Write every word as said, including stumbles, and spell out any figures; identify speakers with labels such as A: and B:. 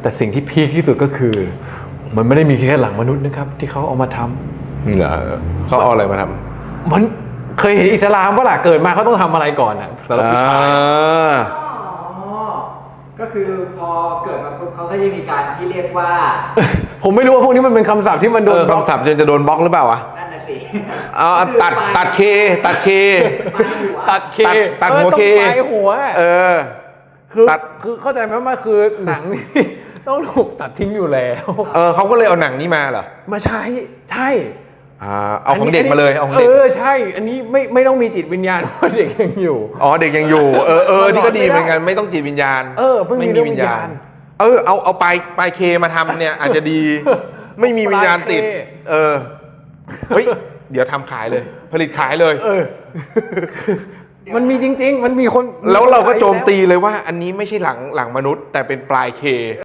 A: แต่สิ่งที่พีคที่สุดก็คือ มันไม่ได้มีแค่หลังมนุษย์นะครับที่เขาเอามาทำ
B: เหรอเขาเอาอะไรมาทำ
A: มันเคยเห็นอิสลามว่าล่ะเกิดมาเขาต้องทำอะไรก่อนอ่ะสำหรับผู้ชาย
C: ก็คือพอเกิดมาปุ๊บเขาก็จะมีการที่เรียกว่า
A: ผมไม่รู้ว่าพวกนี้มันเป็นคำศัพท์ที่มันโดน
B: คำศัพท์จะโดนบล็อกหรือเปล่าวะ
C: นั่นน่ะสิ
B: เอาตัดตัดเคตัดเค
A: ตัดเค
B: ตัดตัดหัวเค
A: ต้องปลายหัว
B: เออ
A: คือ
B: ตัด
A: คือเข้าใจไหมว่าคือหนังนี่ ต้องถูกตัดทิ้งอยู่แล้ว
B: เออเขาก็เลยเอาหนังนี้มาเหรอ
A: มาใช้ใช่
B: อ่าเอาของเด็กมาเลยเอาของเด็ก
A: เออใช่ อันนี้ไม่ไม่ต้องมีจิตวิญญาณเพราะเด็กยังอยู่
B: อ๋อเด็กยังอยู่เออเออนี่ก็ดีเหมือนกันไม่ต้องจิตวิญญาณ
A: เออเพิ่งมีเรื่องวิญญาณ
B: เออเอาเอาปลายปลายเคมาทำเนี่ยอาจจะดี ไม่มีวิญญาณติด เออเฮ้ยเดี๋ยวทำขายเลย ผลิตขายเลย
A: เออ มันมีจริง ๆ มันมีคน
B: แล้วเราก็โจมตีเลยว่า อันนี้ไม่ใช่หลังหลังมนุษย์ แต่เป็นปลายเค